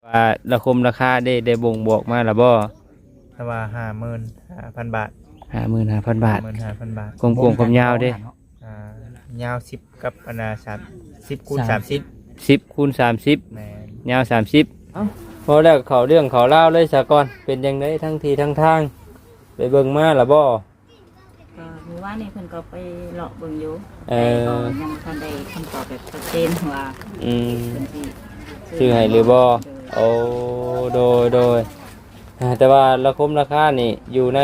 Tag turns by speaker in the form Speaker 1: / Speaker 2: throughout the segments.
Speaker 1: ว่าราคาได้บ่งบอกมาแล้วบ่
Speaker 2: แต่ว่า55,000 บาท
Speaker 1: 55,000 บาท
Speaker 2: 55,000 บาท
Speaker 1: กลมๆความยาวเด้
Speaker 2: ยาว10กับอันน่ะ10คูณ30
Speaker 1: 10คูณ30
Speaker 2: แม่น
Speaker 1: ยาว30เอ้าพอแล้วเขาเรื่องเขาเล่าวเลยซะก่อนเป็นจังไดทั้งทีทั้งทางไปเบิ่งมาแล้วบ่
Speaker 3: ก็คือว่านี่เพิ่นก็ไปเลาะเบิ่งอยู่แต่ก็ยังทันได้คำตอบแบบชัดเจนว่าเพิ่นสิ
Speaker 1: ชื่อให้หรือบ่โอ้โดยแต่ว่าราคานี่อยู่ใน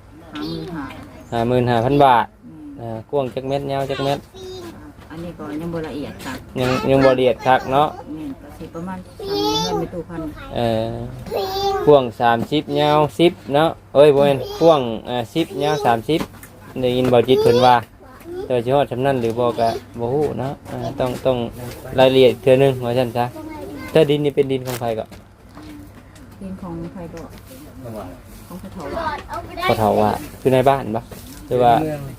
Speaker 1: 55,000 บาทกว้างจักเม็ดยาวจักเม็ด
Speaker 3: อันนี้ก็ยังบ่ละเอียดครับ
Speaker 1: ยังบ่ละเอียดคักเนาะ
Speaker 3: นี่ก็สิประมาณ3เงินไม่ตู้พัน
Speaker 1: กว้าง30ยาว10เนาะเอ้ยบ่แม่นกว้าง10ยาว30ได้ยินบ่จิตเพิ่นว่าแต่ว่าสิฮอดซำนั้นหรือบ่ก็บ่ฮู้เนาะต้องรายละเอียดเทื่อนึงว่าซั่นซะถ้าดินนี่เป็นดินของไผก็
Speaker 3: ดินของไผก็ของพระเฒ่า
Speaker 1: พระเฒ่าว่าคือในบ้านบ่หรือว่า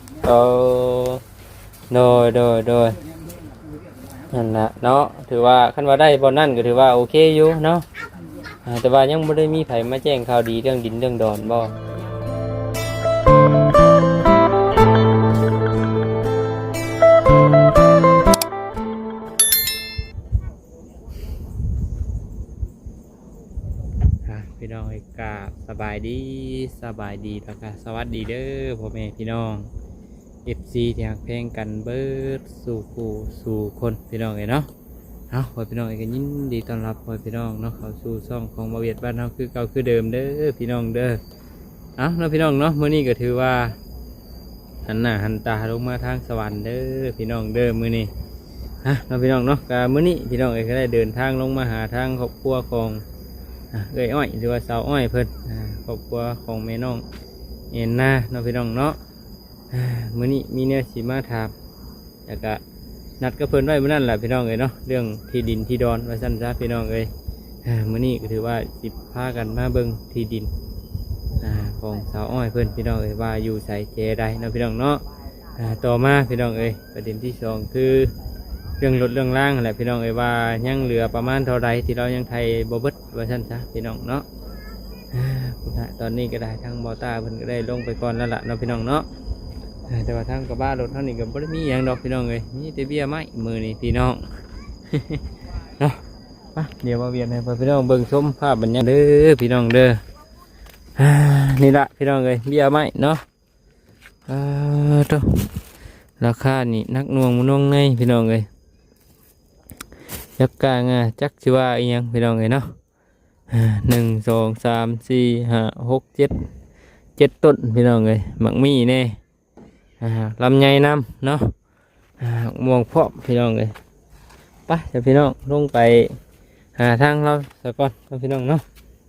Speaker 1: โดยนั่นล่ะเนาะถือว่าคันว่าได้บ่นั่นก็ถือว่าโอเคอยู่เนาะแต่ว่ายังบ่ได้มีไผมาแจ้งข่าวดีเรื่องดินเรื่องดอนบ่พี่น้องเอกาสบายดีแล้วก็สวัสดีเด้อพ่อแม่พี่น้อง FC ที่ฮักเพลงกันเบิดสู่ผู้สู่คนพี่น้องเนาะพ่อพี่น้องก็ยินดีต้อนรับพ่อพี่น้องเนาะเข้าสู่ช่องของบ่าวเวียดบ้านเฮาคือเก่าคือเดิมเด้อพี่น้องเด้อเนาะพี่น้องเนาะมื้อนี้ก็ถือว่าหันหน้าหันตาลงมาทางสวรรค์เด้อพี่น้องเด้อมื้อนี้เนาะพี่น้องเนาะก็มื้อนี้พี่น้องก็ได้เดินทางลงมาหาทางครอบครัวของเอ้ยอ้อยหรือว่าสาวอ้อยเพิ่นครอบครัวของแม่น้องเอ็นนาเนาะพี่น้องเนาะมื้อนี้มีแนวสิมาถามแล้วก็นัดกับเพิ่นไว้มื้อนั้นแหละพี่น้องเอ้ยเนาะเรื่องที่ดินที่ดอนว่าซั่นซะพี่น้องเอ้ยมื้อนี้ก็ถือว่าสิพากันมาเบิ่งที่ดินของสาวอ้อยเพิ่นพี่น้องเอ้ยว่าอยู่ไสแจใดเนาะพี่น้องเนาะต่อมาพี่น้องเอ้ยประเด็นที่สองคือเรื่องรถเรื่องล่างแหละพี่น้องเอ้ยว่ายังเหลือประมาณเท่าไรที่เรายังไทยบ่เบิดว่าซั่นซะพี่น้องเนาะตอนนี้ก็ได้ทางบอต้าเพิ่นก็ได้ลงไปก่อนแล้วล่ะเนาะพี่น้องเนาะแต่ว่าทางกระบะรถเท่านี้ก็บ่ได้มีอย่างดอกพี่น้องเลยมีแต่เบี้ยไม้มือนี่พี่น้อง เนาะเดี๋ยวมาเวียนให้พี่น้องเบิ่งชมภาพบรรยากาศเด้อพี่น้องเด้อนี่ละพี่น้องเลยเบี้ยไม้เนาะราคานี่นักหน่วงมุ่งในพี่น้องเลยจักกางจักชิว่าอีหยังพี่น้องเลยเนาะ1 2 3 4 5 6 7ต้นพี่น้องเลยหมักมีแน่ลำไยน้ำเนาะม่วงพอกพี่น้องเลยไปเดี๋ยวพี่น้องลงไปหาทางเราสักก่อนพี่น้องเนาะ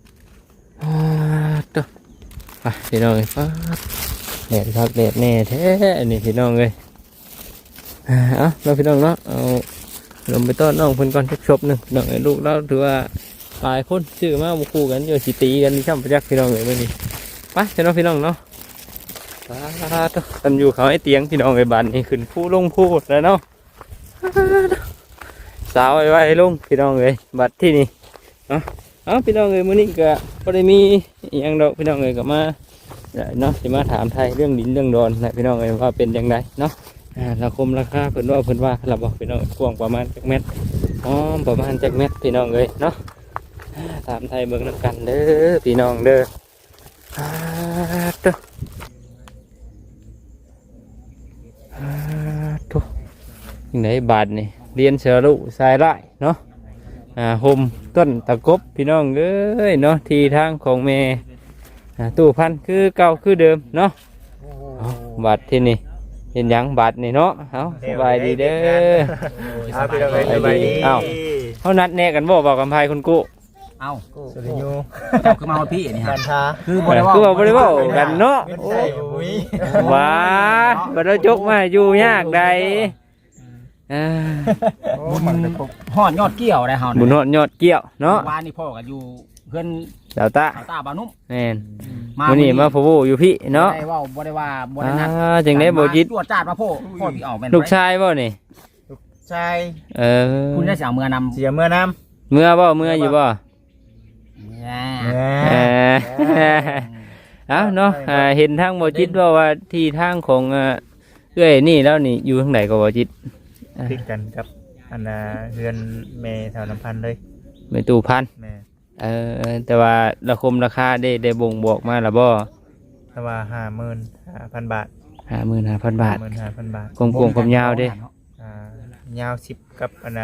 Speaker 1: ไปพี่น้องเลยแดดครับแดดแน่แท้นี่พี่น้องเลยเราพี่น้องเนาะเอาลงไปต้อนน้องเพิ่นก่อนชบหนึ่งน้องลูกเราถือว่าหลายคนชื่อมาบุคู่กันอยู่สิตีกันที่ช่ำประจักษ์พี่น้องเลยเมื่อนี้ไปเจ้าพี่น้องเนาะตันอยู่เขาไอ้เตียงพี่น้องไอ้บ้านนี่ขึ้นผู้ลงผู้แล้วเนาะสาวไว้ลงพี่น้องเลยบัดที่นี่พี่น้องเลยมื้อนี้ก็บ่ได้มีอย่างดอกพี่น้องเลยก็มาเนาะสิมาถามไทยเรื่องดินเรื่องดอนนะพี่น้องเลยว่าเป็นอย่างไรเนาะราคาเพิ่นว่าเราบอกพี่น้องกว้างประมาณจักเม็ดประมาณจักเม็ดพี่น้องเลยเนาะถามไทยเบิ่งน้ำกันเด้อพี่น้องเด้อยังไงบาทนี่เรียนเสือลุสายไร่เนาะห่มต้นตะกบพี่น้องเอ้ยเนาะทีทางของแม่ตู้พันคือเก่าคือเดิมเนาะบาทที่นี่เห็นยังบาทนี่เนาะเอาสบายดีเด้อสบายดีเขานัดแน่กันบอกกำไพคุณกู้
Speaker 4: สุริยูเจ้าคือมาพี่นี่ฮะ
Speaker 1: คือบริวารกันเนาะว้าบริจกมาอยู่ยากใด
Speaker 4: บุญหอดยอดเกี่ยวได้เฮา
Speaker 1: บุญหอดยอดเกี่ยวเนาะ
Speaker 4: วานนี่พ่อกันอยู่เพื่อน
Speaker 1: ดาวตา
Speaker 4: บานุ่ม
Speaker 1: แม่นวันนี้มาพูอยู่พี่เนาะ
Speaker 4: ได้ว่าบ่ได้ว่าบ่ได้นัด
Speaker 1: จังได้บ่จิต
Speaker 4: ตรวจจัดมาพ่อพี่เอาแม่น
Speaker 1: ลูกชายบ่นี่
Speaker 2: ใช่
Speaker 4: คุณได้เสียเมื่อนำ
Speaker 2: เสียเมื่อน
Speaker 1: ำเมื่อบ่เมื่ออยู่บ่เออเอาเนาะเห็นทางบ่จิตว่าที่ทางของเอ้ยนี่แล้วนี่อยู่ทางไหนก็บ่จิต
Speaker 2: ติดกันกับอันเรือนแม่แถวน้ำพันเลย
Speaker 1: ไม่ตู้พัน
Speaker 2: แม่
Speaker 1: แต่ว่าราคาได้บ่งบอกมาแล้วบ่
Speaker 2: ถ้าว่า55,000 บาท
Speaker 1: 55,000 บาท
Speaker 2: 55,000 บาท
Speaker 1: กลมๆกับยาวเด้
Speaker 2: ยาว10กับอัน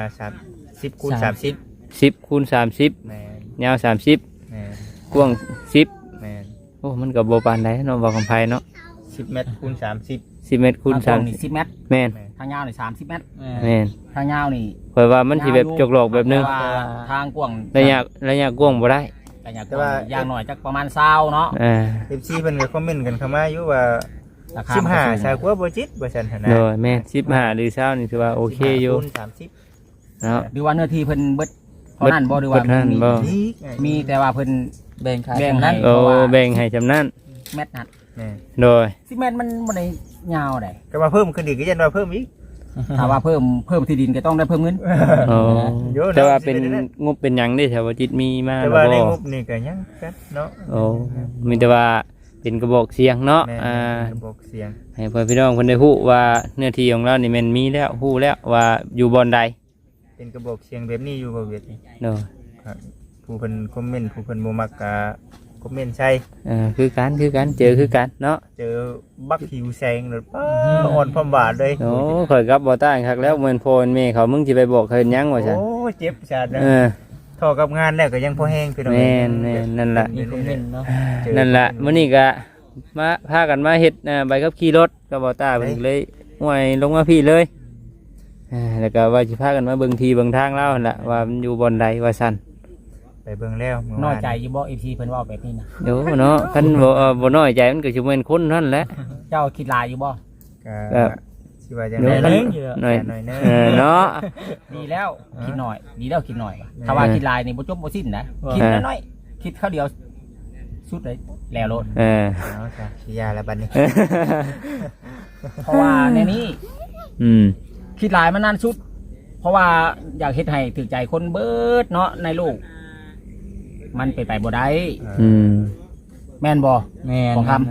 Speaker 2: 10คูณ30
Speaker 1: 10คูณ30
Speaker 2: แม่น
Speaker 1: ยาว30
Speaker 2: แม่น
Speaker 1: กว้าง10
Speaker 2: แม่น
Speaker 1: โอ้มันก็บ่ปานใดเนาะบ่กำไผเนาะ
Speaker 2: 10 เมตรคูณ30
Speaker 1: 10 เมตรคูณ
Speaker 4: ทางตรงนี่10 เมตร
Speaker 1: แม่น
Speaker 4: ทางยาวนี่30 เมตร
Speaker 1: แม่น
Speaker 4: ทางยาวนี่
Speaker 1: ข่อยว่ามันสิแบบจกหลอกแบบนึง
Speaker 4: แต่ว่าทางกว้าง
Speaker 1: ระยะกว้างบ่ได้
Speaker 4: ระยะกว้างอย่างน้อยจักประมาณ20เนาะ
Speaker 2: FC เพิ่นก็คอมเมนต์กันเข้ามาอยู่ว่า
Speaker 4: ราคามันก็สูง
Speaker 2: 15ชาวกว่าบ่จิตว่าซั่นหั่นนะ
Speaker 1: โดยแม่น15หรือ20นี่ถือว่าโอเคอยู่
Speaker 2: คูณ30
Speaker 1: เนาะ
Speaker 4: หรือว่าเนื้อที่เพิ่นเบิดเท่านั้นบ่หรือว่า
Speaker 1: เบิดเท่านั้นบ่
Speaker 2: นี่
Speaker 4: มีแต่ว่าเพิ่น
Speaker 3: แบ่งขาย
Speaker 4: แบ่งให้
Speaker 1: โอ้แบ่งให้จำนั้น
Speaker 4: เมตรนั่น
Speaker 2: แม่
Speaker 1: โดย
Speaker 4: 10 เมตรมันบ่ได้ยาวได้
Speaker 2: ก็มาเพิ่มขึ้นอีกก็ยันว่าเพิ่มอีก
Speaker 4: ถ้าว่าเพิ่มที่ดินก็ต้องได้เพิ่มเงิน
Speaker 1: โอ้
Speaker 2: เยอะนะ
Speaker 1: แต่ว่าเป็น
Speaker 2: สิเป็นนั่น
Speaker 1: งบเป็นหยังได้แถวว่าจิตมีมา
Speaker 2: แต่
Speaker 1: แล้ว
Speaker 2: ว่าใน
Speaker 1: บ่
Speaker 2: งบนี่ก็ยังกันเนาะ
Speaker 1: โอ้มีแต่ว่าเป็นกระบอกเสียงเนาะ
Speaker 2: แม่ บอกเสียง
Speaker 1: ให้พ่อพี่น้องเพิ่นได้ฮู้ว่าเนื้อที่ของเรานี่แม่นมีแล้วฮู้แล้วว่าอยู่บ่อนใด
Speaker 2: เป็นกระบอกเสียงแบบนี้อยู่บ่เวทนี่
Speaker 1: เนาะ
Speaker 2: ครับผู้เพิ่นคอมเมนต์ผู้เพิ่นบ่มักก็คอมเมนต์ใช่
Speaker 1: คือกันเจอคือกันเนาะ
Speaker 2: เจอบักหิวแซงหรือป้าอ่อนพร้อมบาดเลย
Speaker 1: โอ้ข่อยกับบ่ต้านคักแล้วเหมือนพ่อเหมือนแม่เขามึงสิไปบอกเพิ่นหยังว่าซั่น
Speaker 2: โอ้เจ็บจัดนะ
Speaker 1: เออ
Speaker 2: ท่อกับงานแล้วก็ยังพอแห้งพี่น้อง
Speaker 1: แม่นนั่นล่ะ
Speaker 2: มีคอมเมนต์เนาะ
Speaker 1: นั่นแหละมื้อนี้ก็มาพากันมาเฮ็ดใบขับขี่รถก็บ่ตาเพิ่นเลยห่วยลงมาพี่เลยแล้วก็ว่าสิพากันมาเบิ่งที่เบิ่งทางแล้วนั่นล่ะว่ามันอยู่บ่อนใดว่าซั่น
Speaker 2: ไปเบิ่งแล้วเมื่วา
Speaker 4: น้อยใจอยู่บ่ FC เพิ่นเว้าแบบนี้นะ
Speaker 1: เดี๋ยวเนาะคันบ่น้อยใจมันก็สิแม่นคนนั่นแหละ
Speaker 4: เจ้าคิดหลายอยู่บ่
Speaker 2: ก็สิว่าจัง
Speaker 1: เดี๋ยว
Speaker 2: ได๋
Speaker 1: น้อย
Speaker 2: หน่อยเนอะ
Speaker 1: เนาะ
Speaker 4: ดีแล้วคิดหน่อยดีแล้วคิดหน่อยถ้าว่าคิดหลายนี่บ่จบบ่สิ้นนะคิดน้อยๆคิดคราวเดียวสุดเลยแล้วโลด
Speaker 2: เนาะจ้ะสิยาแล้วบัดนี้
Speaker 4: เพราะว่าในนี้
Speaker 1: อืม
Speaker 4: คิดหลายมันนานสุด เพราะว่าอยากเฮ็ดให้ถึกใจคนเบิดเนาะในโลกมันเป็นไปบ่ได้
Speaker 1: อืม
Speaker 4: แม่นบ่
Speaker 3: แม่น
Speaker 4: ของคำ
Speaker 2: แม่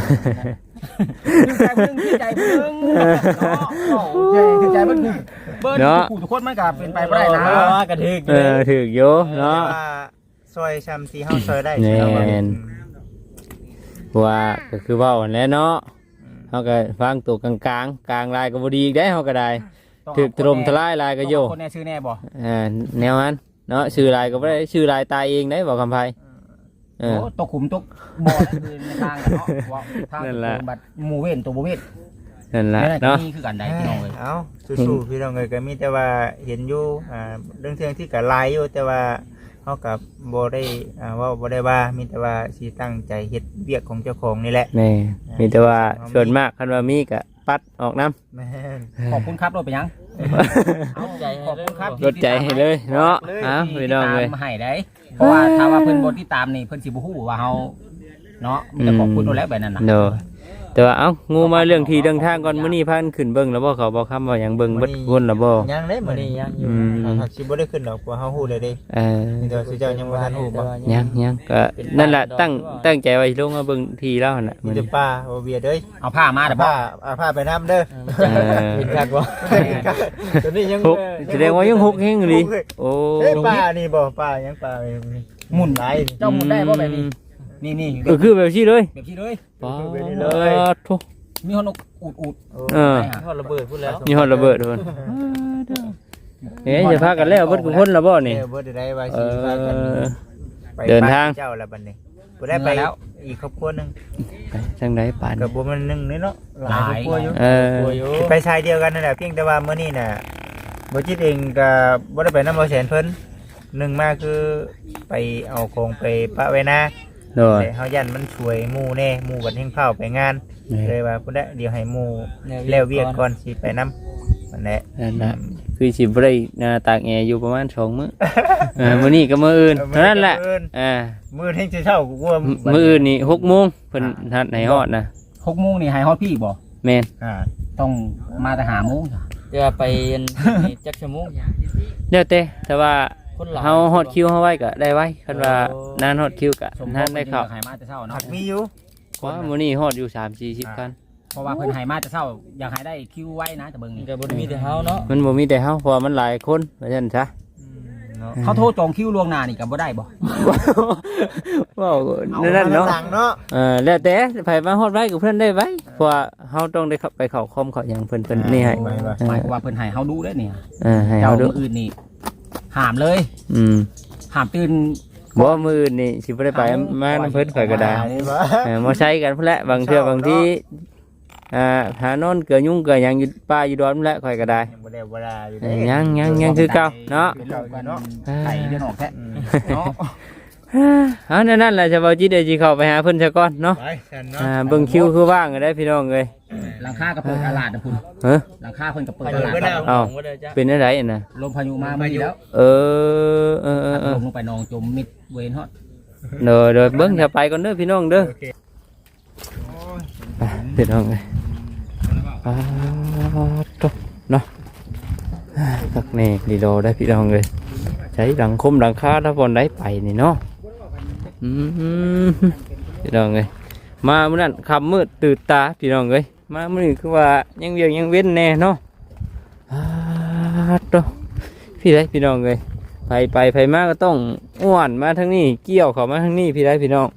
Speaker 4: ถึกใจเพิ่งเนาะถึกใจเพิ่งเบิดทุกคนมันก็เป็นไปบ่ได้นะ
Speaker 3: ว่ากระทึก
Speaker 1: ถูกอยู่เนาะ
Speaker 2: แต่ว่าซอยชำที่เฮาซอยได้
Speaker 1: แม่น
Speaker 2: เอามา
Speaker 1: ว่าก็คือเว้าหั่นแหละเนาะเฮาก็ฟังตัวกลางลายก็บ่ดีอีกได้เฮาก็ได้ถูกถล่มทลายลายก็โย
Speaker 4: คนแน่ชื่อแน่บ่
Speaker 1: แนวนั้นเนาะชื่อลายก็บ่ได้ชื่อลายตายเองได้บอกคำไผ
Speaker 4: โอ้ตกขุมตกบ่อคือในทางกันเนาะว่าทาง
Speaker 1: นั่นแหละ
Speaker 4: บัดหมู่เว้นตัวบ่เว้น
Speaker 1: นั่นล่ะ
Speaker 4: นั่น
Speaker 1: เนาะ
Speaker 4: นี่คือกันได้พี่น้องเอ้ย
Speaker 2: เอาสู้ๆพี่น้องเอ้ยก็มีแต่ว่าเห็นอยู่เรื่องเทื่องที่ก็หลายอยู่แต่ว่าเฮาก็บ่ได้ว่าบ่ได้ว่ามีแต่ว่าสิตั้งใจเฮ็ดเวียกของเจ้าของนี่แหละ
Speaker 1: แม่มีแต่ว่าส่วนมากคันว่ามีก็ปัดออกน้ำ
Speaker 2: แม่น
Speaker 4: ขอบคุณครับรถไปยัง
Speaker 3: เอาใจ
Speaker 4: ขอบคุณครับ
Speaker 1: ลดใจให้เลยเนาะพี่น้องเลย
Speaker 4: ที่ตามมาให้ได้เพราะว่าถ้าว่าเพิ่นบ่ที่ตามนี่เพิ่นสิบ่ฮู้ว่าเฮาเนาะมีแต่ขอบคุณโดนแล้วแบบนั้นน่ะ
Speaker 1: เนาะแต่ว่าเอ้างูมาเรื่องที่เรื่องทางก่อนมื้อนี้พากันขึ้นเบิ่งแล้วบ่เขาบ่คำว่าหยังเบิ่งเบิดวนแล้วบ่
Speaker 2: ยังเด้
Speaker 3: มื้
Speaker 2: มื้
Speaker 3: อ
Speaker 2: อ
Speaker 3: นี้
Speaker 2: นี้
Speaker 3: ยังอยู่
Speaker 2: หากสิบ่ได้ขึ้นดอกเพราะเฮาฮู้เลยเด้
Speaker 1: เออ
Speaker 2: มีแต่ว่าสิเจ้ายังบ่ทันฮู้บ่
Speaker 1: ยังก็นั่นแหละตั้งใจไว้ลงมาเบิ่งทีแล้วนั่นน่ะ
Speaker 2: มี
Speaker 1: มื้อ
Speaker 2: แต่
Speaker 1: นี้
Speaker 2: ป้าบ่เบียดเด้ย
Speaker 4: เอาผ้ามาเด้อบ่
Speaker 2: ผ้าไปน้ำเด้อ
Speaker 3: เห็นคักบ่ตอนนี้ยัง
Speaker 1: ฮุกแสดงว่ายังฮุกแฮงอยู่ดิโอ้
Speaker 2: เอ้ยป้านี่บ่ป้ายังป้า
Speaker 4: หมุน
Speaker 2: หลาย
Speaker 4: เจ้าหมุนได้บ่แบบนี้นี่
Speaker 1: ก็คือแบบนี้เลย
Speaker 4: แบบนี้เลย
Speaker 1: ป๊าดโถ
Speaker 4: มีคนอูด
Speaker 1: เออ
Speaker 4: ได้ฮะ
Speaker 3: ทอดระเบิดพูดแล้ว
Speaker 1: มีฮอดระเบิดโดนเอ๊ะจะพากันแล้วเบิดกูคนละบ่นี่
Speaker 2: บ่ได้ว่า
Speaker 1: เอ
Speaker 2: สิพากัน
Speaker 1: อ
Speaker 2: ไป
Speaker 1: เดินทาง
Speaker 2: บ้เจ้าแล้วบัดนี้บ่ได้ไปแล้วอีกครอบครัวนึง
Speaker 1: ไปทางไหนป่าน
Speaker 2: ก็บ่มันนึงนี่เนาะหลายครอบครัวอยู่
Speaker 1: เออ
Speaker 2: ไปชายเดียวกันนั่นแหละเพียงแต่ว่ามื้อนี้น่ะบ่จิตเองก็บ่ได้ไปนำบ่แสนเพิ่นหนึ่งมาคือไปเอาของไปปะไว้นะ
Speaker 1: โดย
Speaker 2: แต่เฮายันมันช่วยหมู่แน่หมู่บัดแห่งเผาไปงานเลยว่าพุ่นได้เดี๋ยวให้หมู่แล้วเวียกก่อนสิไปนำนั่นแหละ
Speaker 1: นั่นน่ะคือสิบ่ได้ตากแอร์อยู่ประมาณ2 มื้อมื้อนี้ก็มื้ออื่นเท่านั้นแหละ
Speaker 2: มื้อแห่งสิเช้ากูว่า
Speaker 1: มื้ออื่นนี่6 โมงเพิ่นนัดให้ฮอดนะ
Speaker 4: 6 โมงนี่ให้ฮอดพี่บ่
Speaker 1: แม่น
Speaker 4: ต้องมาแต่5 โมงจ้ะ
Speaker 3: จะไปจักชั่วโมง
Speaker 1: แล้วแต่ว่า
Speaker 4: คนหลาย
Speaker 1: เฮาฮอดคิวเฮาไว้ก็ได้ไว้คันว่านานฮอดคิวก็
Speaker 4: สม
Speaker 1: นานได้เข้า
Speaker 4: หายมาแต่เช้าเนาะ
Speaker 2: หักมีอยู่
Speaker 1: ว่ามื้อนี้ฮอดอยู่3-40คัน
Speaker 4: เพราะว่าเพิ่นหายมาแต่เช้าอยากให้ได้คิวไว้นะแต่เบิ่งนี่
Speaker 5: ก็บ่ได้มีแต่เฮาเนาะ
Speaker 1: มันบ่มีแต่เฮาเพราะว่ามันหลายคนว่าซั่นซะ
Speaker 2: เนาะ
Speaker 4: เขาโทรจองคิวล่วงหน้านี่ก็บ่ได้บ่
Speaker 1: ว้าวนั่นเนาะ
Speaker 2: ต่างเนาะ
Speaker 1: แล้วแต่ไผมาฮอดไว้กับเพิ่นได้ไว้เพราะว่าเฮาต้องได้เข้าไปเข้าคอมเข้าหยังเพิ่นนี่ให้
Speaker 4: หมายความว่าเพิ่นให้เฮาดูได้เนี่ย
Speaker 1: ให้
Speaker 4: เจ้า
Speaker 1: เฮาดู
Speaker 4: มื้ออื่นนี่ห้ามเลย
Speaker 1: อืม
Speaker 4: ห้ามตื่น
Speaker 1: บ่มื้ออื่นนี่สิบ่ได้ไปมานํเพิ่นข่อยก็ได้
Speaker 2: นี่บ่
Speaker 1: มาใช้กันพุ่นแหละบางเทื่อบางทีหานอนเกลือยุ่งเกลือหยังอยู่ป่าอยู่ดอนพุ่นแหละข่อยก็ได้
Speaker 2: ยังบ่ได้บ่ได้อยู่
Speaker 1: ยังคือเก่าเนาะ
Speaker 2: เป็นเก่าอยู่เนาะ
Speaker 4: ไข่เดือนออกแท้เนาะ
Speaker 1: เอานั่นแหละจะบ่จิตได้สิเข้าไปหาเพิ่นซะก่อนเนาะ
Speaker 2: ไปฉันเนาะ
Speaker 1: เบิ่งคิวคือว่างก็ได้พี่น้องเอ้ย
Speaker 4: หลังคาก็เปิดตลาดนะคุณ
Speaker 1: เฮ้อ
Speaker 4: หลังคาเพิ่นก็เปิด
Speaker 5: ไป
Speaker 4: ต
Speaker 5: อยู่
Speaker 4: ลาด
Speaker 5: บ่ได้
Speaker 1: เอ้า
Speaker 5: บ่ได้จ้ะ
Speaker 1: เป็นอะไรน่ะ
Speaker 4: ลมพายุมาไม่แล้ว
Speaker 1: เออ
Speaker 4: ลงไปนองจมมิดเวนฮอด
Speaker 1: เด้อเบิ่งจะไปก่อนเด้อพี่น้องเด้อ
Speaker 2: โอเคโอ้ย
Speaker 1: ไปพี่น้องเอ้ยตบเนาะตักแน่ดีโดได้พี่น้องเอ้ยใช้หลังคมหลังคาถ้าบ่ได้ไปนี่เนาะพี่น้องเอ้ยมามื้อนั้นค่ำมืดตื่นตาพี่น้องเอ้ยมามื้อนี้คือว่ายังเวียงยังเว้นแน่เนาะตบพี่ได้พี่น้องเอ้ยไปมาก็ต้องอ้วนมาทางนี้เกี่ยวเข้ามาทางนี้พี่ได้พี่น้อง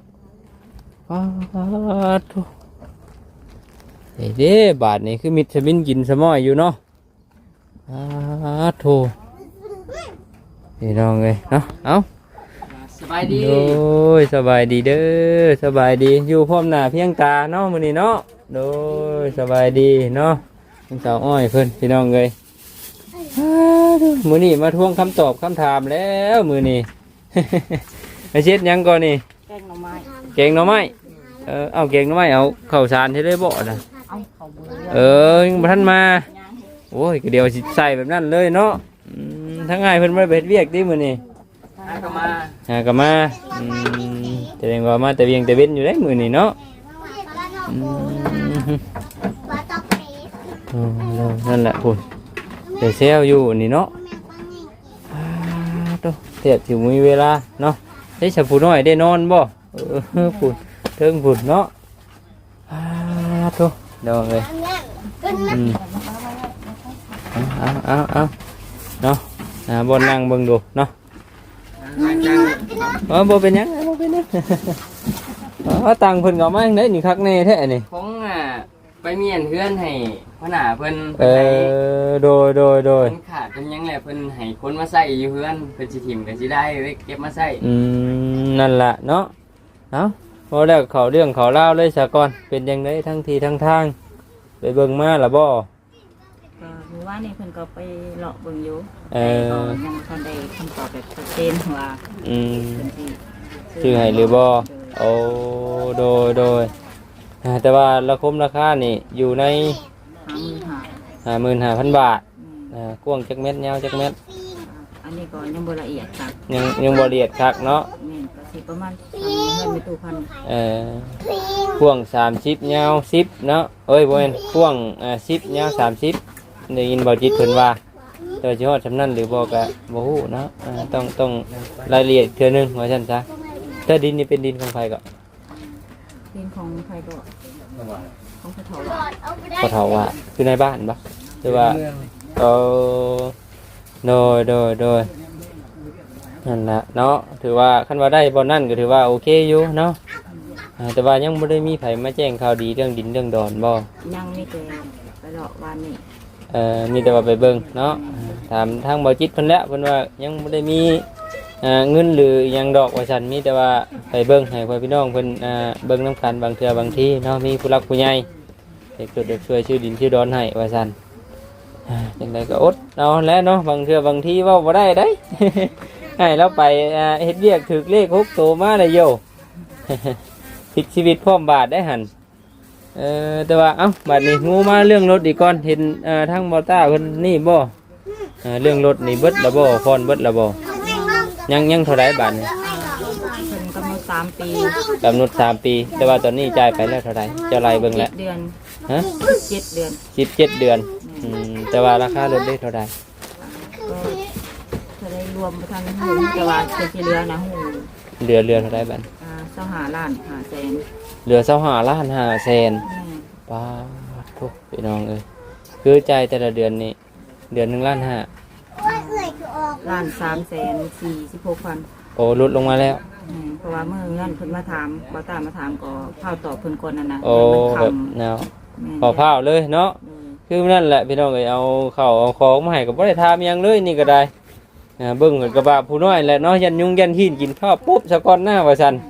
Speaker 1: ตบเด้บาทนี่คือมิตรบินกินสมอยอยู่เนาะโถพี่น้องเอ้ยเนาะเอา
Speaker 5: สบายดี
Speaker 1: โอ้ยสบายดีเด้อสบายดีอยู่พร้อมหน้าเพียงตาเนาะมื้อนี้เนาะโดยสบายดีเนาะทั้งสาวอ้อยเพิ่นพี่น้องเอ้ยมื้อนี้มาทวงคำตอบคำถามแล้วมื้อนี้ ไปเช็ดหยังก่อนนี่
Speaker 3: แกงหน่อไม้
Speaker 1: แกงหน่อไม้เอาแกงหน่อไม้เอาข้าวสารที่ได้บ่น่ะ
Speaker 3: เอาเขาเบื่อ
Speaker 1: ยังบ่ทันมาโอ้ยก็เดี๋ยวสิใส่แบบนั้นเลยเนาะทั้งง่ายเพิ่นบ่ได้ไปเฮ็ดเวียกติมื้อนี้
Speaker 5: ก็มา
Speaker 1: ก็มาแสดงว่ามาแต่เวียงแต่เว้นอยู่ได้มื้อนี้เนาะนั่นแหละพุ่นแต่เซลอยู่นี่เนาะเทียบถึงมีเวลาเนาะได้สับผู้น้อยได้นอนบ่พุ่นเทิงพุ่นเนาะโตเดี๋ยวเลยเอาเนาะบนนั่งเบิ่งดูเนาะบ่เป็นหยังบ่เป็นหยังตังเพิ่นก็มาจังได๋นี่คักแน่แท้นี่
Speaker 5: ของไปเมียนเฮือนให้พ่อหน้าเพิ่น
Speaker 1: โดย
Speaker 5: เพิ่นขาดเพิ่นยังแหละเพิ่นให้คนมาใส่อยู่เฮือนเพิ่นสิถิ่มก็สิได้ไว้เก็บมาใส่
Speaker 1: นั่นล่ะเนาะเอาพอแล้วเขาเรื่องเขาเล่าเลยซะก่อนเป็นจังได๋ทั้งทีทั้งทางไปเบิ่งมาล่ะบ่
Speaker 3: ก็หรือว่านี่เพิ่นก็ไปเลาะเบิ่งอยู่
Speaker 1: เออ
Speaker 3: แต่ก็ยังบ่ทันได้คำตอบแบบชัดเจนว่า
Speaker 1: อืม
Speaker 3: เพิ่นสิ
Speaker 1: ชื่อให้หรือบ่โอ้โดยแต่ว่าราคมราคานี่อยู่ใน 55,000 บาทกว้างจักเม็ดยาวจักเม็ด
Speaker 3: อันนี้ก็ยังบ่ละเอียดครับ
Speaker 1: ยังบ่ละเอียดคักเนาะ
Speaker 3: แม่นก็สิประมาณเงินไม่ตู้พัน
Speaker 1: กว้าง30ยาว10เนาะเอ้ยบ่แม่นกว้าง10ยาว30ได้ยินบ่จิตเพิ่นว่าแต่ว่าสิฮอดสำนั้นหรือบ่ก็บ่ฮู้เนาะต้องรายละเอียดเทื่อนึงว่าซั่นซะแต่ดินนี่เป็นดินของไผก็
Speaker 3: ดินของใครก็ของเขาเฒ่าว่า
Speaker 1: พอเฒ่าว่าคือในบ้านบ่หรือว่าโดยนั่นล่ะเนาะถือว่าคันว่าได้บ่นั่นก็ถือว่าโอเคอยู่เนาะแต่ว่ายังบ่ได้มีไผมาแจ้งข่าวดีเรื่องดินเรื่องดอนบ่
Speaker 3: ยังมีแต่ไปเลาะวันนี้
Speaker 1: มีแต่ว่าไปเบิ่งเนาะถามทางบ่จิตเพิ่นแล้วเพิ่นว่ายังบ่ได้มีเงินหรือหยังดอกว่าซั่นมีแต่ว่าไปเบิ่งให้พ่อพี่น้องเพิ่นเบิ่งนํกันบางเทื่อบางทีเนาะมีผู้รักผู้ใหญ่เด็กจุดเด็กช่วยชื่อดินชื่อดอนให้ว่าซั่นจังไดก็อดเอาแล้วเนาะบางเทื่อบางทีเว้าบ่ได้เด้ ให้เราไปเฮ็ดเวียกถึกเลข6โตมาได้โย พลิกชีวิตพร้อมบาทได้หั่นแต่ว่าเอ้าบัดนี้งูมาเรื่องรถอีกก่อนเห็นทางมอต้าเพิ่นนี่บ่เรื่องรถนี่เบิดแล้วบ่พรเบิดแล้วบ่ยังเท่าไรบาทนี่
Speaker 3: เพิ่นกำหนด3 ปี
Speaker 1: กำหนด3 ปี แต่ว่าตอนนี้จ่ายไปแล้วเท่าไรเจ้าไรเบิ่งแล้ว
Speaker 3: 7 เดือน
Speaker 1: ฮะ
Speaker 3: 7 เดือน
Speaker 1: 17 เดือนแต่ว่าราคารถได้เท่าไร
Speaker 3: ก็จะได้รวมไปทางหูแต่ว่าเป็นที่เรือนะหู
Speaker 1: เรือเท่าไรบัด
Speaker 3: 25 ล้าน5แสน
Speaker 1: เรือ25 ล้าน5 แสนป้าทุกพี่น้องเอ้ยคือจ่ายแต่ละเดือนนี่เดือน1 ล้าน
Speaker 3: ล้าน3แสน46 พัน
Speaker 1: 5โอ้ลดลงมาแล้ว
Speaker 3: เพราะว่าเมื่อเงินเพิ่นมาถามบ่ตามมาถามก็เผาตอบเพิ่นก่อนนั่นนะ
Speaker 1: โอ้แบบแนวขอพาวเลยเนาะคือนั่นแหละพี่น้องเอ้ยเอาข้าวเอาของมาให้ก็บ่ได้ถามหยังเลยนี่ก็ได้เบิ่งกันกระบะผู้น้อยแหละเนาะยันยุงยันหินกินข้าวปุ๊บสะก่อนหน้าว่าซั่น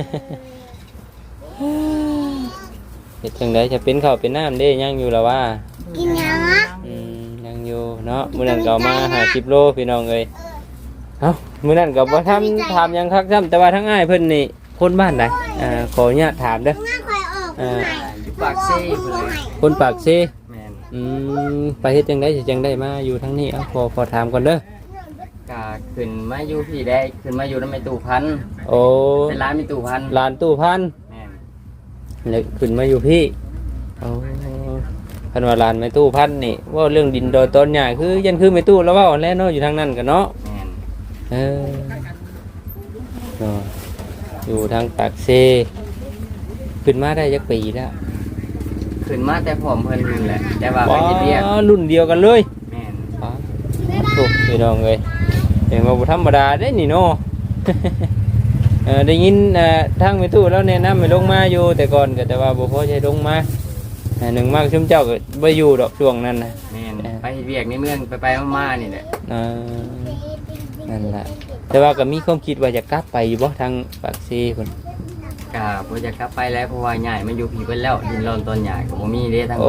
Speaker 1: เฮ็ดจังได๋จะเป็นข้าวเป็นน้ำเด้ยังอยู่ล่ะว่า
Speaker 3: กินยังอ่ะ
Speaker 1: ยังอยู่เนาะมื้อนั้นก็เอามา50 โลพี่น้องเอ้ยเอ้ามื้อนั้นก็บ่ถามหยังคักซ้ำแต่ว่าทั้งอ้ายเพิ่นนี่คนบ้านใดขออนุญาตถามเด้อ
Speaker 5: อยู่ปากซี่เพิ่นเลย
Speaker 1: คนปากเซ
Speaker 5: แม่น
Speaker 1: ไปเฮ็ดจังได๋สิจังได้มาอยู่ทั้งนี้ขอถามก่อนเด้อ
Speaker 5: ก็ขึ้นมาอยู่พี่ได้ขึ้นมาอยู่นำแม่ตู่พันธุ์
Speaker 1: โอ้
Speaker 5: เป็นร้านแม่ตู่พันธุ์
Speaker 1: หลานตู้พัน
Speaker 5: แม่น
Speaker 1: แล้วขึ้นมาอยู่พี่โอ้คันว่าหลานแม่ตู้พันนี่ว่าเรื่องดินโดยต้นใหญ่คือยันคือแม่ตู้แล้วเว้าแล้วเนาะอยู่ทางนั้นกันเนาะ
Speaker 5: แม่น
Speaker 1: เออเนาะอยู่ทางปากเซขึ้นมาได้จักปีแล้ว
Speaker 5: ขึ้นมาแต่ผอมเพิ่นนี่แหละแต่ว่าไปเฮ็ดเวียก
Speaker 1: รุ่นเดียวกันเลย
Speaker 5: แม่น
Speaker 1: อ๋อโอ้พี่น้องเอ้ยเห็นว่าบ่ธรรมดาเด้นี่เนาะ ได้ยินทางแม่ตู้แล้วแนะนำให้ลงมาอยู่แต่ก่อนก็แต่ว่าบ่พอใช้ลงมาหนึ่งมากชุมเจ้าก็บ่อยู่ดอกช่วงนั้นนะ
Speaker 5: แม่นไปเฮ็ดเวียกในเมืองไปๆมาๆนี่แหละ
Speaker 1: นั่นแหละแต่ว่าก็มีความคิดว่าจะกลับไปอยู่บ่ทางปากซีพุ่น
Speaker 5: ก็บ่อยากกลับไปแล้วเพราะว่าใหญ่มันอยู่พี่เพิ่นแล้วดินร้อนต้นใหญ่ก็บ่มีเด้ทั้งหม
Speaker 1: โอ้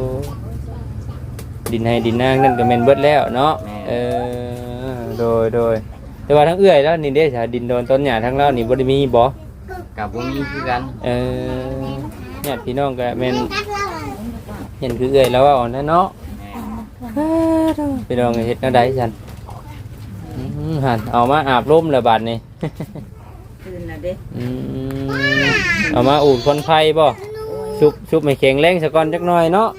Speaker 5: ด
Speaker 1: ดินให้ดินนางนั่นก็แม่นเบิดแล้วเนาะ
Speaker 5: แม่
Speaker 1: โดยแต่ว่าทั้งเอื้อยแล้วนี่เด้ถ้าดินโดนต้นหญ้าทั้งเรานี่บ่ได้มีบ่
Speaker 5: ก็บ่มีคือกัน
Speaker 1: ญาติพี่น้องก็แม่นเห็นคือเอื้อยแล้วว่าอ่อนเนาะ
Speaker 5: แม่น
Speaker 1: พี่น้องเฮ็ดแนวใดซั่นหั่นเอามาอาบลมแล้วบัดนี้
Speaker 3: ตื่นแล้วเด้
Speaker 1: เอามาอูดคนไฟบ่ชุบไม่แข็งแรงซะก่อนจักหน่อยเนาะ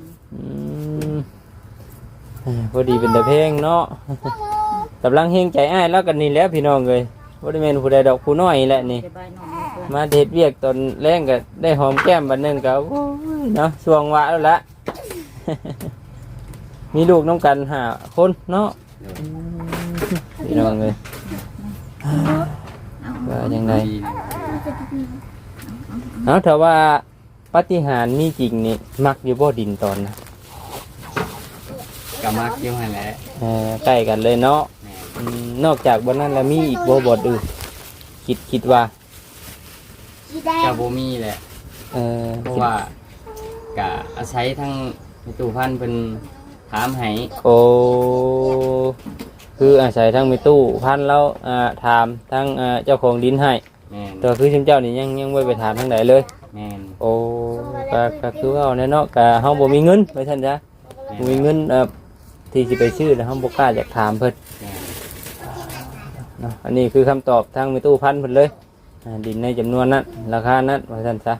Speaker 1: พอดีเป็นตะเพลงเนาะกำลังเฮงใจอ้ายแล้วกันนี่แหล้วพี่น้องเลยบ่ได้แม่นผู้ใดดอกผู้น้อยแหละนี่
Speaker 3: สบายนอนเพื่อน
Speaker 1: มาเฮ็ดเวียกตอนแรงก็ได้หอมแก้มบัดนึงก็โอ้ยเนาะช่วงวะแล้วละ มีลูกน้องกัน5 คนเนาะพี่น้องเลยว่าจังได เอาถ้าว่าปาฏิหาริย์มีจริงนี่มักอยู่บ่ดินตอนนะ
Speaker 5: ก็มักอยู่หั่นแหละ
Speaker 1: ใกล้กันเลยเนาะ
Speaker 5: แม่น
Speaker 1: นอกจากบนนั้นแล้วมีอีกบ่บ่อื่นคิดว่า
Speaker 5: ก็บ่มีแหละ เพราะว่าก็อาศัยทั้งแม่ตู่พันธุ์เพิ่นถามให้
Speaker 1: โอ้คืออาศัยทั้งมีตู้พันแล้วถามทั้งเจ้าของดินให้
Speaker 5: แม่น
Speaker 1: แต่คือชิมเจ้านี่ยังไม่ไปถามทางไหนเลย
Speaker 5: แม่น
Speaker 1: โอ้ก็คือว่าเอาแน่เนาะก็เฮาบ่มีเงินไว้ท่านจ้ะบ่มีเงินที่สิไปชื่อแล้วเฮาบ่กล้าอยากถามเพิ่น
Speaker 5: แม่น
Speaker 1: เนาะอันนี้คือคำตอบทางมีตู้พันเพิ่นเลยดินในจำนวนนั้นราคานั้นว่าท่านซะ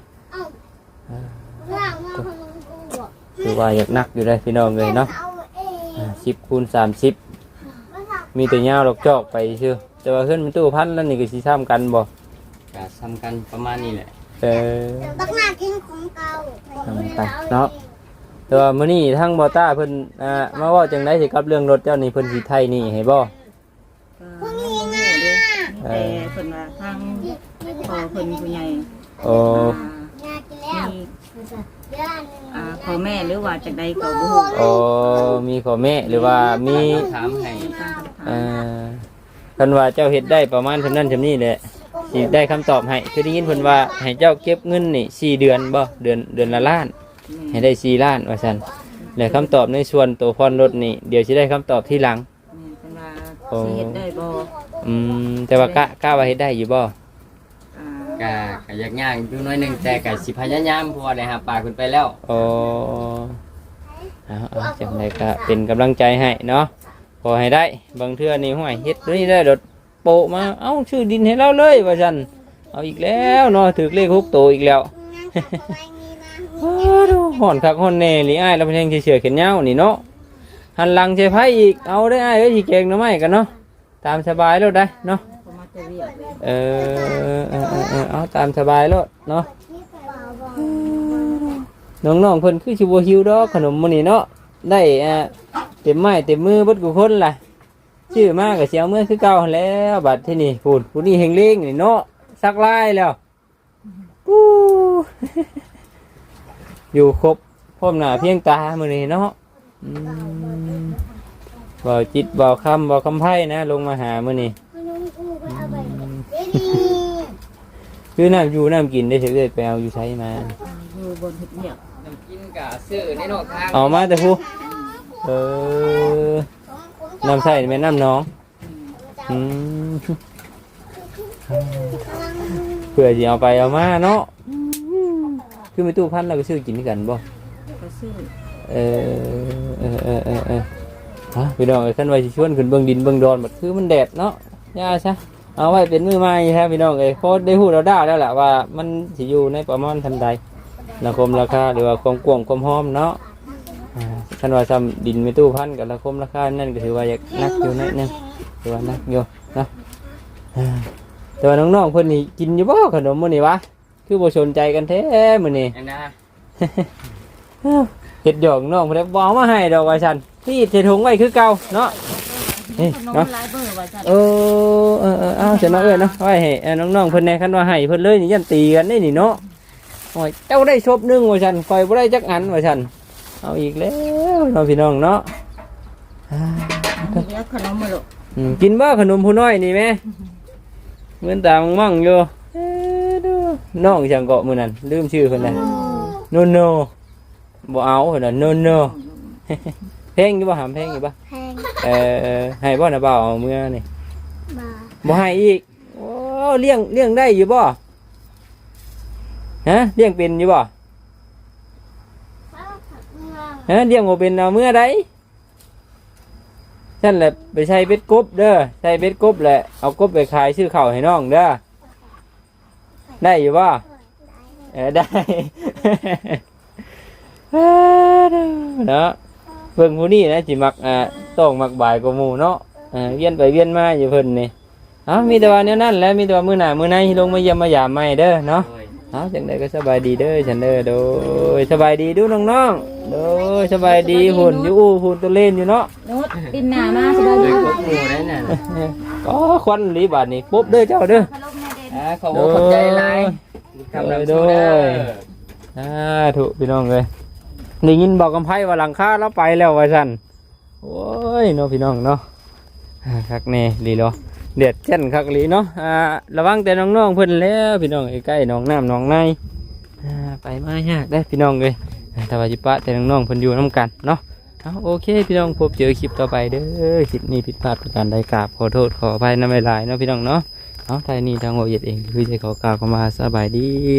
Speaker 1: คือว่าอยากนักอยู่ได้พี่น้องเลยเนาะ10 คูณ 30มีแต่ยาวดอกจอกไปชื่อแต่ว่าขึ้นมีตู้พันแล้วนี่ก็สิซ้ำกันบ่
Speaker 5: ก็สำคัญประมาณนี้แหละ
Speaker 6: ตักหน้ากินของเก่า
Speaker 1: ทำไปเนาะแต่ว่ามื้อนี้ทั้งบอต้าเพิ่นมาเว้าจังได๋สิกับเรื่องรถเจ้านี่เพิ่นสิไทยนี่ให้บ่
Speaker 3: ก็บ่ฮู้เด้แต่เพิ่นว่าทางพ่อเพิ่นผู้ใหญ่
Speaker 1: โอ้
Speaker 6: อยากกินแล้ว
Speaker 3: มี
Speaker 6: เดี๋ยวอันนึง
Speaker 3: พ่อแม่หรือว่าจังใดก็บ่ฮู้
Speaker 1: โอ้มีขอแม่หรือว่ามี
Speaker 5: ถามให้
Speaker 3: ตามคำถาม
Speaker 1: คันว่าเจ้าเฮ็ดได้ประมาณเท่านั้นเท่านี้แหละสิได้คำตอบให้คือได้ยินเพิ่นว่าให้เจ้าเก็บเงินนี่4 เดือนบ่เดือนละล้าน ให้ได้4 ล้านว่าซั่นแล้วคำตอบในส่วนตัวผ่อนรถนี่เดี๋ยวสิได้คำตอบที่หลัง
Speaker 3: เพิ่นว่าสิเฮ็ดได้บ่
Speaker 1: แต่ว่ากล้าว่าเฮ็ดได้อยู่บ่
Speaker 5: ก็อยากย่างอยู่น้อยหนึงแต่ก็สิพยายามเพราะว่าได้หาปลาขึ้นไปแล้ว
Speaker 1: อ๋อเอาจังไดก็เป็นกำลังใจให้เนาะพอให้ได้บางเทื่อนี่ห้วยเฮ็ดนี่ได้รถโปะมาเอ้าชื่อดินให้เราเลยว่าซั่นเอาอีกแล้วเนาะถูกเลข6โตวอีกแล้ว ดูห่อนคักห่อนแน่หรืออ้ายเราเป็นแห่งเฉยๆเขียนยาวนี่เนาะหันหลังใช้ไพ่อีกเอาได้อ้ายเอ้ยสิเก่งหน่อไม้กันเนาะตามสบายแล้วได้เนาะ
Speaker 3: เขามาแต่เวียกเลย
Speaker 1: เอาตามสบายแล้วเนาะน้องๆเพิ่นคือสิบ่หิวดอกขนมมื้อนี้เนาะได้เต็มไม้เต็มมือเบิดกูคนล่ะชื่อมาก็สิเอามือคือเก่าหั่นแล้วบัดที่นี่พูดผู้นี้เฮงเล้งนี่เนาะสักลายแล้วปู้ อยู่ครบพร้อมหน้าเพียงตามื้อนี้เนาะบ่จิตบ่คำบ่คำไพ่นะลงมาหามื้อนี้คือน้ำอยู่น้ำกินได้เฉยๆไปเอาอยู่ใช้มา
Speaker 3: อยู่บนเฮ็ดเวียก
Speaker 5: น้ำกินกะซื้อในนอกทาง
Speaker 1: เอามาแต่ผู้น้ำใส่แม่น้ำน้องเพื่อจะเอาไปเอามาเนาะคือไม่ตู้พันเราก็ซื้อกินกันบ่
Speaker 3: ก็ซื้อ
Speaker 1: ฮะพี่น้องเอ้ยขั้นไว้สิชวนขึ้นเบื้องดินเบื้องดอนบัดคือมันแดดเนาะย่าซะเอาไว้เป็นมือไม้ครับพี่น้องเอ้ยพอได้หูเราได้แล้วแหละว่ามันสิอยู่ในประมาณทันใดราคมราคาหรือว่าความกว้างความหอมเนาะขั้นว่าซ้ำดินไม่ตู้พันกับราคมราคานั่นก็ถือว่าอยากนักอยู่นิดนึงถือว่านักอยู่เนาะแต่ว่าน้องๆเพิ่นนี่กินอยู่บ่ขนมมื้อนี้วะคือบ่สนใจกันแท้มื้อนี้
Speaker 5: อันนะ
Speaker 1: เฮ็ดหยอกน้องเพิ่นบ่เอามาให้ดอกว่าซั่นพี่เทถุงไว้คือเก่าเนาะนี่
Speaker 3: ขนม
Speaker 1: เนาะ
Speaker 3: หลายเบอร์ว่าซั่น
Speaker 1: เอาเสร็จเนาะเนาะไว้ให้น้องๆเพิ่นแหน่คันว่าให้เพิ่นเลยนี่ยันตีกันได้นี่เนาะโอ้ยเจ้าได้ชบนึงว่าซั่นข่อยบ่ได้จักอันว่าซั่นเอาอีกแล้วน้องพี่น้องเนาะ
Speaker 3: เดี๋ยวขนมมาลูก
Speaker 1: กินบ่ขนมผู้น้อยนี่แม่เหมือนตามั่งอยู่น้องจังเกาะมื้อนั้นลืมชื่อเพิ่นแล้วโนโนบ่เอาเพิ่นน่ะโนโนเพลงอยู่บ่หามเพลงอยู่บ่
Speaker 6: แพง
Speaker 1: ให้บ่นะบ่าวเอาเมื่อนี่
Speaker 6: มา
Speaker 1: บ่ให้อีกโอ้เลี้ยงได้อยู่บ่ฮะเลี้ยงเป็นอยู่บ่ฮะเลี้ยงบ่เป็นเอาเมื่อใดฉันแหละไปใช้เบ็ดกบเด้อใช้เบ็ดกบแหละเอากบไปขายซื้อข้าวให้น้องเด้อได้อยู่บ่ได้ เนาะเพิ่งผู้นี้นะสิมักต้องมักบ่ายกว่าหมู่เนาะเวียนไปเวียนมาอยู่เพิ่นนี่มีแต่ว่าแนวนั้นแหละมีแต่ว่ามื้อหน้ามื้อในลงมาเยี่ยมมายามใหม่เด้อเนาะจังได๋ก็สบายดีเด้อฉันเด้อโดยสบายดีดูน้องๆโดยสบายดีหุ่นอยู่หุ่นตัวเล่นอยู่เนาะ
Speaker 3: นุชปินหน้ามาสบาย
Speaker 5: เล
Speaker 3: ดี
Speaker 5: ยพวกหมู่ได้น่ะ
Speaker 1: ก็ควันหลีบาดนี้ปุ๊บเด้อเจ้าเด้อ
Speaker 3: ขนมแม่เด่น
Speaker 5: ขอบคุณขอบใจหลายทำน้ำโซดา
Speaker 1: ถูกพี่น้องเลยได้ยินบอกกำไพว่าหลังคาแล้วไปแล้วว่าซั่นโอ้ยเนาะพี่น้องเนาะคักแน่ลีเนาะเดือดเช่นคักลีเนาะระวังแต่น้องๆเพิ่นแล้วพี่น้องใกล้ๆน้องน้ำน้องในไปมายากได้พี่น้องเลยแต่ว่าจิปะแต่น้องๆเพิ่นอยู่น้ำกันเนาะโอเคพี่น้องพบเจอคลิปต่อไปเด้อคลิปนี้ผิดพลาดประการใดกราบขอโทษขออภัยน้ำลายเนาะพี่น้องเนาะทางนี้ทางโอเย็ดเองคือจะขอกล่าวเข้ามาสบายดี